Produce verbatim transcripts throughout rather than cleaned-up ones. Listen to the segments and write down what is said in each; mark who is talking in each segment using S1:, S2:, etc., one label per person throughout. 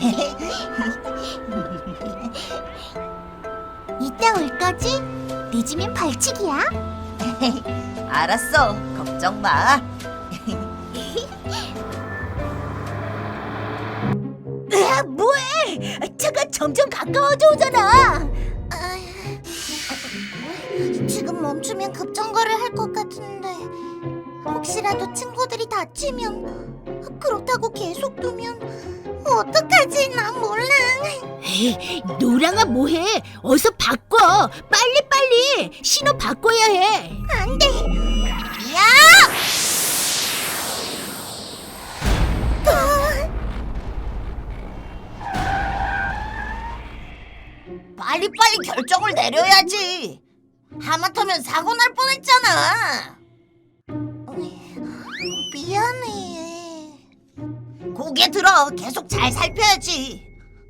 S1: 이따 올 거지? 늦으면 벌칙이야.
S2: 알았어, 걱정 마.
S1: 으아, 뭐해? 차가 점점 가까워져 오잖아. 지금 멈추면 급정거를 할 것 같은데 혹시라도 친구들이 다치면, 그렇다고 계속 두면 어떡하지? 난 몰라. 에이, 노랑아 뭐해? 어서 바꿔. 빨리 빨리 신호 바꿔야 해. 안 돼. 야!
S2: 빨리빨리 결정을 내려야지. 하마터면 사고 날 뻔했잖아.
S1: 미안해.
S2: 고개 들어. 계속 잘 살펴야지.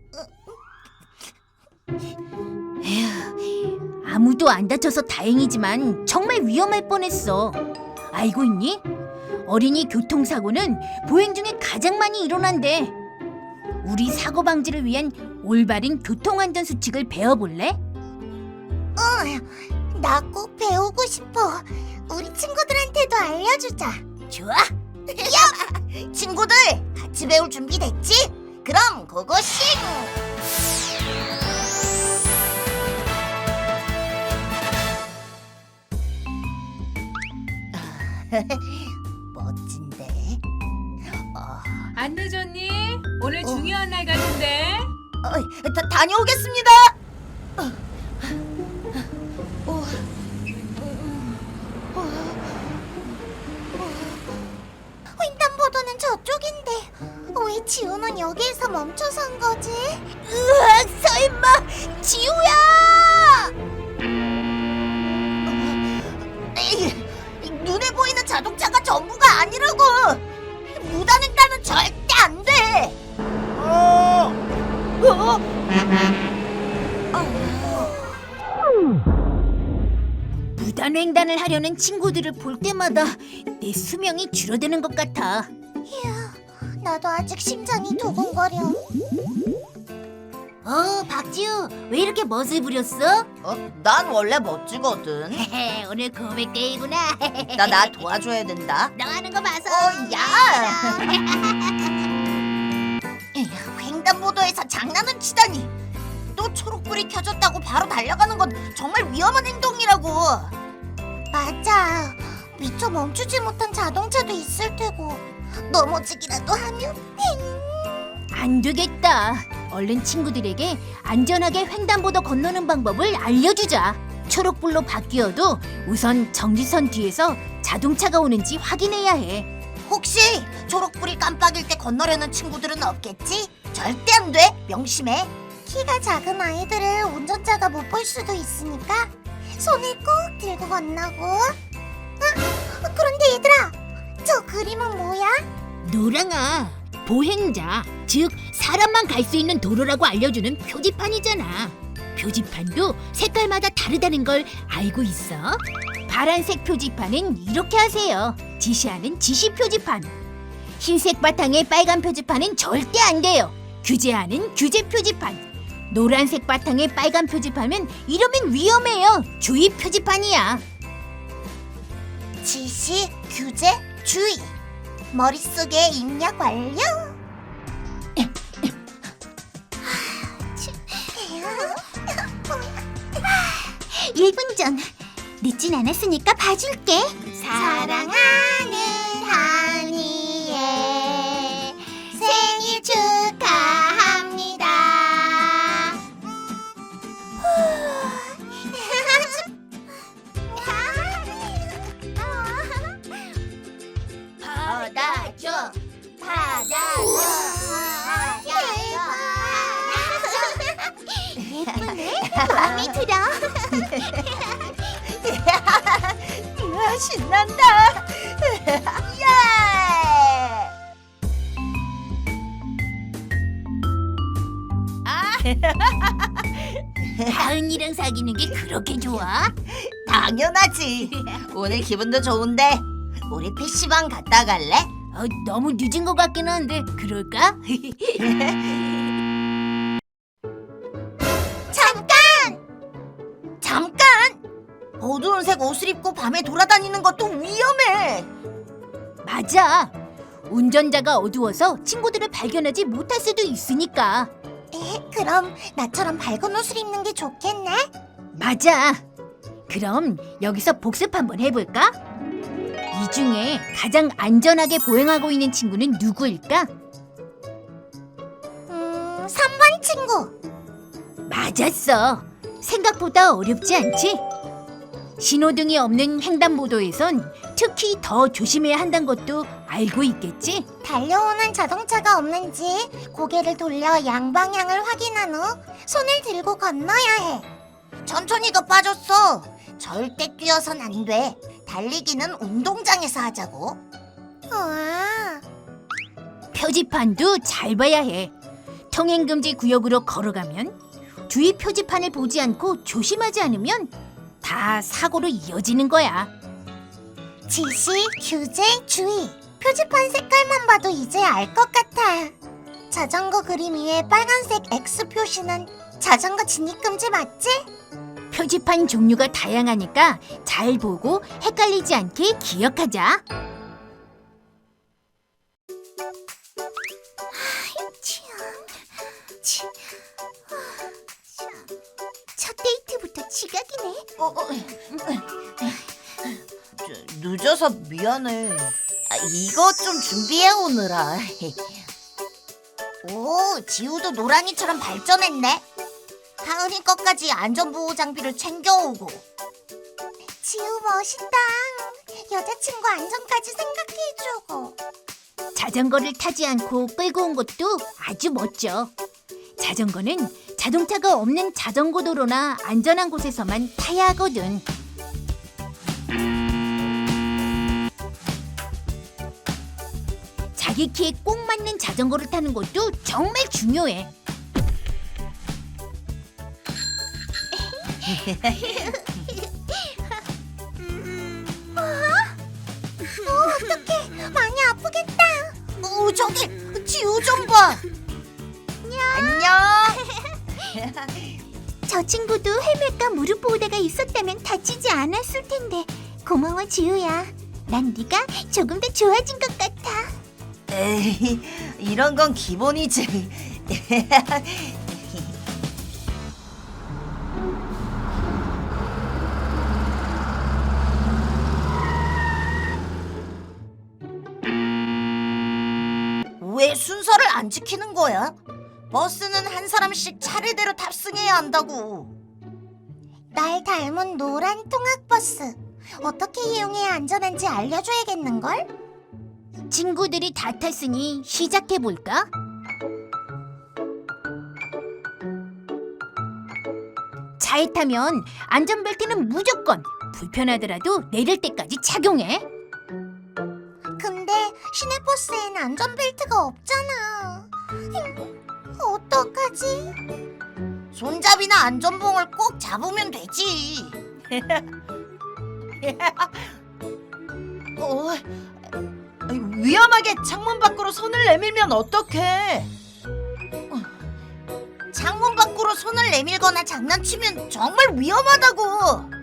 S1: 에휴, 아무도 안 다쳐서 다행이지만 정말 위험할 뻔했어. 알고 있니? 어린이 교통사고는 보행 중에 가장 많이 일어난대. 우리 사고 방지를 위한 올바른 교통안전 수칙을 배워볼래? 응, 나 꼭 배우고 싶어. 우리 친구들한테도 알려주자.
S2: 좋아. 야! 친구들, 같이 배울 준비 됐지? 그럼 고고싱! 멋진데? 어,
S3: 안 늦었니? 오늘 중요한 날 같은데.
S2: 어, 다, 다녀오겠습니다.
S1: 횡단보도는 저쪽인데 왜 지우는 여기에서 멈춰선 거지? 으악, 설마 지우야!
S2: 에이, 눈에 보이는 자동차가 전부가 아니라고. 무단횡단은 절대 안 돼. 어? 어?
S1: 무단횡단을 하려는 친구들을 볼 때마다 내 수명이 줄어드는 것 같아. 이야, 나도 아직 심장이 두근거려. 어, 박지우, 왜 이렇게 멋을 부렸어?
S2: 어? 난 원래 멋지거든.
S1: 오늘 고백데이구나.
S2: 나 나 도와줘야 된다.
S1: 너 하는 거 봐서.
S2: 어, 야! 에휴, 횡단보도에서 장난은 치다니. 또 초록불이 켜졌다고 바로 달려가는 건 정말 위험한 행동이라고.
S1: 맞아. 미처 멈추지 못한 자동차도 있을 테고 넘어지기라도 하면 안 되겠다. 얼른 친구들에게 안전하게 횡단보도 건너는 방법을 알려주자. 초록불로 바뀌어도 우선 정지선 뒤에서 자동차가 오는지 확인해야 해.
S2: 혹시 초록불이 깜빡일 때 건너려는 친구들은 없겠지? 절대 안 돼. 명심해.
S1: 키가 작은 아이들을 운전자가 못 볼 수도 있으니까 손을 꼭 들고 건너고. 아, 그런데 얘들아, 저 그림은 뭐야? 노랑아, 보행자, 즉 사람만 갈 수 있는 도로라고 알려주는 표지판이잖아. 표지판도 색깔마다 다르다는 걸 알고 있어? 파란색 표지판은 이렇게 하세요. 지시하는 지시 표지판. 흰색 바탕의 빨간 표지판은 절대 안 돼요. 규제하는 규제 표지판. 노란색 바탕의 빨간 표지판은 이러면 위험해요. 주의 표지판이야. 지시, 규제, 주의. 머릿속에 입력 완료. 일 분 전. 늦진 않았으니까 봐줄게. 사랑하는 하니의 생일 축하합니다. 받아줘, 받아줘, 예쁘네. 마음에 들어.
S2: 이야, 신난다. 예! 아,
S1: 하은이랑 사귀는 게 그렇게 좋아?
S2: 당연하지. 오늘 기분도 좋은데 우리 피시방 갔다 갈래?
S1: 어, 너무 늦은 것 같긴 한데 그럴까?
S2: 어두운 색 옷을 입고 밤에 돌아다니는 것도 위험해.
S3: 맞아. 운전자가 어두워서 친구들을 발견하지 못할 수도 있으니까.
S1: 에, 그럼 나처럼 밝은 옷을 입는 게 좋겠네?
S3: 맞아. 그럼 여기서 복습 한번 해볼까? 이 중에 가장 안전하게 보행하고 있는 친구는 누구일까?
S1: 음, 삼 번 친구.
S3: 맞았어. 생각보다 어렵지 않지? 신호등이 없는 횡단보도에선 특히 더 조심해야 한다는 것도 알고 있겠지?
S1: 달려오는 자동차가 없는지 고개를 돌려 양방향을 확인한 후 손을 들고 건너야 해.
S2: 천천히가 빠졌어. 절대 뛰어선 안 돼. 달리기는 운동장에서 하자고.
S1: 우와.
S3: 표지판도 잘 봐야 해. 통행금지 구역으로 걸어가면 주위 표지판을 보지 않고 조심하지 않으면 다 사고로 이어지는 거야.
S1: 지시, 규제, 주의. 표지판 색깔만 봐도 이제 알 것 같아. 자전거 그림 위에 빨간색 X 표시는 자전거 진입금지 맞지?
S3: 표지판 종류가 다양하니까 잘 보고 헷갈리지 않게 기억하자.
S1: 첫 데이트부터 지각이네.
S2: 어, 어, 저, 늦어서 미안해. 아, 이거 좀 준비해 오느라. 오, 지우도 노랑이처럼 발전했네. 하은이 것까지 안전보호 장비를 챙겨오고.
S1: 지우 멋있다. 여자친구 안전까지 생각해주고.
S3: 자전거를 타지 않고 끌고 온 것도 아주 멋져. 자전거는 자동차가 없는 자전거 도로나 안전한 곳에서만 타야 하거든. 자기 키에 꼭 맞는 자전거를 타는 것도 정말 중요해.
S1: 어떡해, 많이 아프겠다.
S2: 오, 저기 지우 좀 봐. 안녕.
S1: 저 친구도 헬멧과 무릎 보호대가 있었다면 다치지 않았을 텐데. 고마워 지우야. 난 네가 조금 더 좋아진 것 같아.
S2: 에이, 이런 건 기본이지. 왜 순서를 안 지키는 거야? 버스는 한 사람씩 차례대로 탑승해야 한다고.
S1: 날 닮은 노란 통학버스. 어떻게 이용해야 안전한지 알려줘야겠는걸?
S3: 친구들이 다 탔으니 시작해볼까? 차에 타면 안전벨트는 무조건 불편하더라도 내릴 때까지 착용해.
S1: 근데 시내버스엔 안전벨트가 없잖아. 어떡하지?
S2: 손잡이나 안전봉을 꼭 잡으면 되지. 어, 위험하게 창문 밖으로 손을 내밀면 어떡해? 창문 밖으로 손을 내밀거나 장난치면 정말 위험하다고.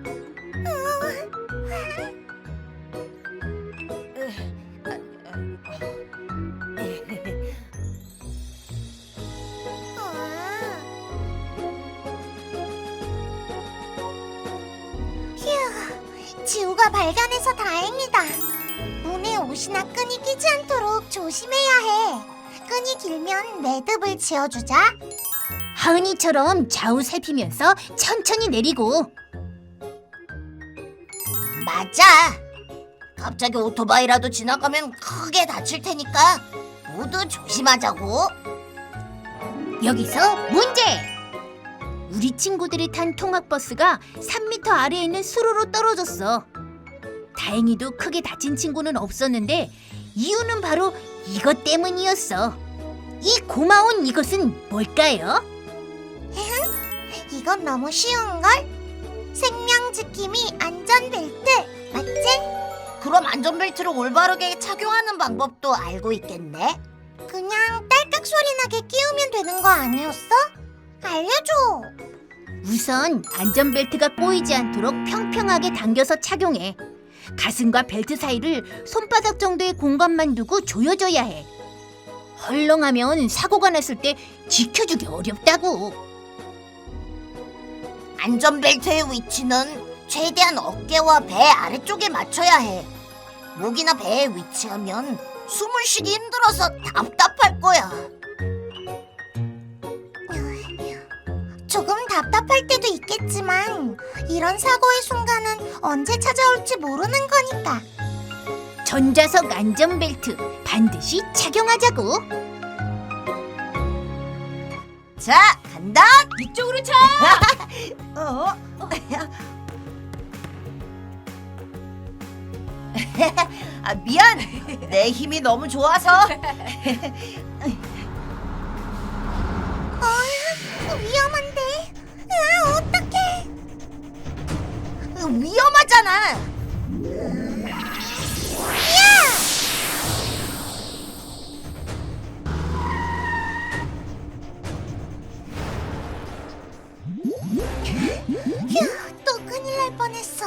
S1: 휴, 지우가 발견해서 다행이다. 문에 옷이나 끈이 끼지 않도록 조심해야 해. 끈이 길면 매듭을 지어주자.
S3: 하은이처럼 좌우 살피면서 천천히 내리고.
S2: 맞아. 갑자기 오토바이라도 지나가면 크게 다칠 테니까 모두 조심하자고.
S3: 여기서 문제! 우리 친구들이 탄 통학버스가 삼 미터 아래에 있는 수로로 떨어졌어. 다행히도 크게 다친 친구는 없었는데 이유는 바로 이것 때문이었어. 이 고마운 이것은 뭘까요?
S1: 이건 너무 쉬운걸? 생명 지킴이 안전벨트 맞지?
S2: 그럼 안전벨트를 올바르게 착용하는 방법도 알고 있겠네?
S1: 그냥 딸깍 소리 나게 끼우면 되는 거 아니었어? 알려줘.
S3: 우선 안전벨트가 꼬이지 않도록 평평하게 당겨서 착용해. 가슴과 벨트 사이를 손바닥 정도의 공간만 두고 조여줘야 해. 헐렁하면 사고가 났을 때 지켜주기 어렵다고.
S2: 안전벨트의 위치는 최대한 어깨와 배 아래쪽에 맞춰야 해. 목이나 배에 위치하면 숨을 쉬기 힘들어서 답답할 거야.
S1: 조금 답답할 때도 있겠지만 이런 사고의 순간은 언제 찾아올지 모르는 거니까.
S3: 전좌석 안전벨트 반드시 착용하자고.
S2: 자, 간다.
S3: 이쪽으로 차.
S2: 어? 아, 미안. 내 힘이 너무 좋아서.
S1: 어, 위험한데. 아, 어떡해.
S2: 위험하잖아.
S1: 휴, 또 큰일 날 뻔했어.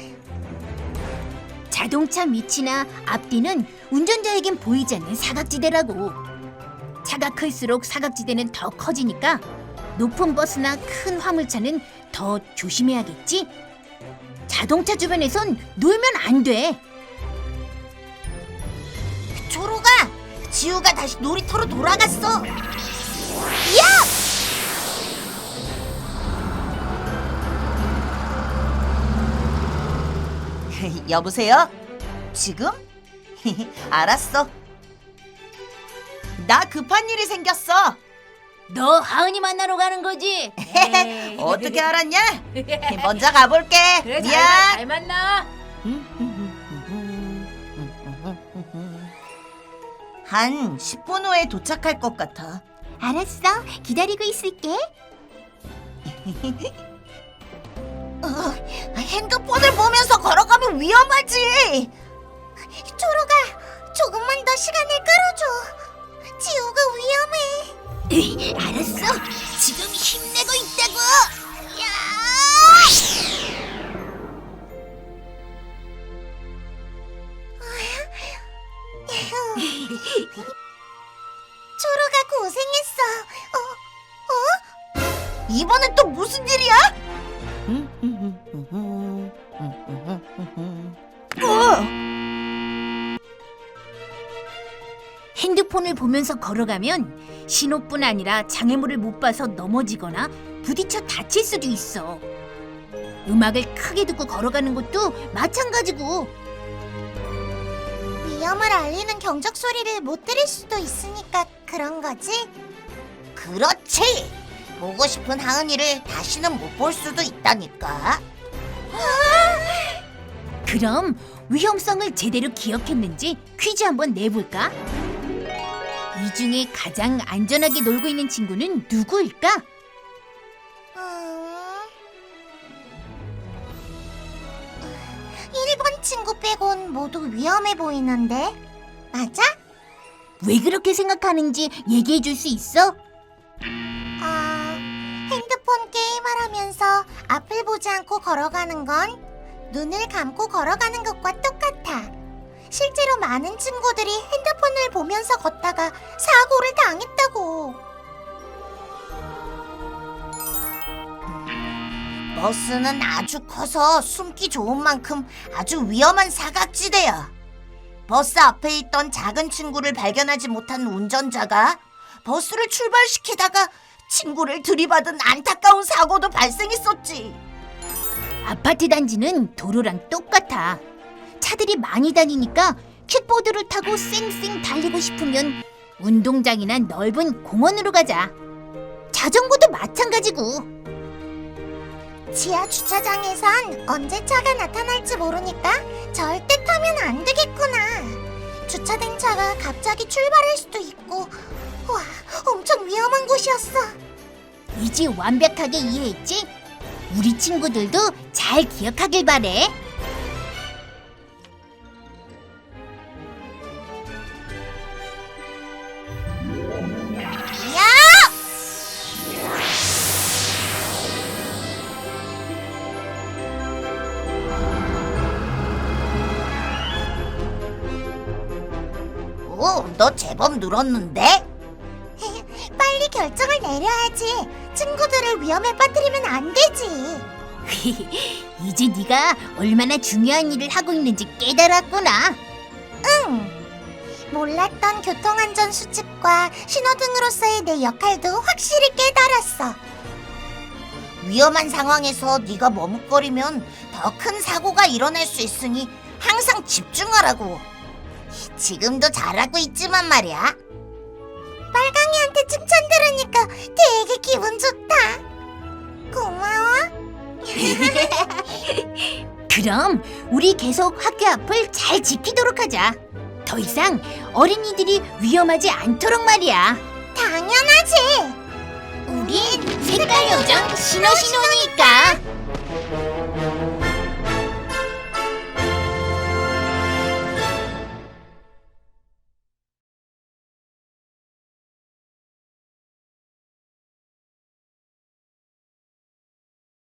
S3: 자동차 밑이나 앞뒤는 운전자에겐 보이지 않는 사각지대라고. 차가 클수록 사각지대는 더 커지니까 높은 버스나 큰 화물차는 더 조심해야겠지? 자동차 주변에선 놀면 안 돼.
S2: 초로가, 지우가 다시 놀이터로 돌아갔어. 여보세요? 지금? 알았어. 나 급한 일이 생겼어.
S3: 너 하은이 만나러 가는 거지?
S2: 어떻게 알았냐? 먼저 가볼게.
S3: 그래, 잘,
S2: 미안.
S3: 가, 잘 만나.
S2: 한 십 분 후에 도착할 것 같아.
S1: 알았어, 기다리고 있을게.
S2: 어, 핸드폰을 보면서 걸어가면 위험하지.
S1: 초로가, 조금만 더 시간을 끌어줘. 지우가 위험해.
S3: 에이, 알았어. 지금 힘내고 있다고.
S1: 초로가 고생했어. 어? 어?
S2: 이번엔 또 무슨 일이야? 어!
S3: 핸드폰을 보면서 걸어가면 신호뿐 아니라 장애물을 못 봐서 넘어지거나 부딪혀 다칠 수도 있어. 음악을 크게 듣고 걸어가는 것도 마찬가지고.
S1: 위험을 알리는 경적 소리를 못 들을 수도 있으니까 그런 거지?
S2: 그렇지. 보고 싶은 하은이를 다시는 못 볼 수도 있다니까.
S3: 그럼 위험성을 제대로 기억했는지 퀴즈 한번 내볼까? 이 중에 가장 안전하게 놀고 있는 친구는 누구일까?
S1: 음... 일 번 친구 빼곤 모두 위험해 보이는데 맞아?
S3: 왜 그렇게 생각하는지 얘기해 줄 수 있어?
S1: 아... 핸드폰 게임을 하면서 앞을 보지 않고 걸어가는 건 눈을 감고 걸어가는 것과 똑같아. 실제로 많은 친구들이 핸드폰을 보면서 걷다가 사고를 당했다고.
S2: 버스는 아주 커서 숨기 좋은 만큼 아주 위험한 사각지대야. 버스 앞에 있던 작은 친구를 발견하지 못한 운전자가 버스를 출발시키다가 친구를 들이받은 안타까운 사고도 발생했었지.
S3: 아파트 단지는 도로랑 똑같아. 차들이 많이 다니니까 킥보드를 타고 쌩쌩 달리고 싶으면 운동장이나 넓은 공원으로 가자. 자전거도 마찬가지고.
S1: 지하 주차장에선 언제 차가 나타날지 모르니까 절대 타면 안 되겠구나. 주차된 차가 갑자기 출발할 수도 있고. 와, 엄청 위험한 곳이었어.
S3: 이제 완벽하게 이해했지? 우리 친구들도 잘 기억하길 바래.
S2: 야! 오, 너 제법 늘었는데?
S1: 빨리 결정을 내려야지. 친구들을 위험에 빠뜨리면 안 되지.
S3: 이제 네가 얼마나 중요한 일을 하고 있는지 깨달았구나.
S1: 몰랐던 교통안전 수칙과 신호등으로서의 내 역할도 확실히 깨달았어.
S2: 위험한 상황에서 네가 머뭇거리면 더 큰 사고가 일어날 수 있으니 항상 집중하라고. 지금도 잘하고 있지만 말이야.
S1: 빨강이한테 칭찬 들으니까 되게 기분 좋다. 고마워.
S3: 그럼 우리 계속 학교 앞을 잘 지키도록 하자. 더 이상 어린이들이 위험하지 않도록 말이야.
S1: 당연하지.
S3: 우린 색깔 요정 신호신호니까.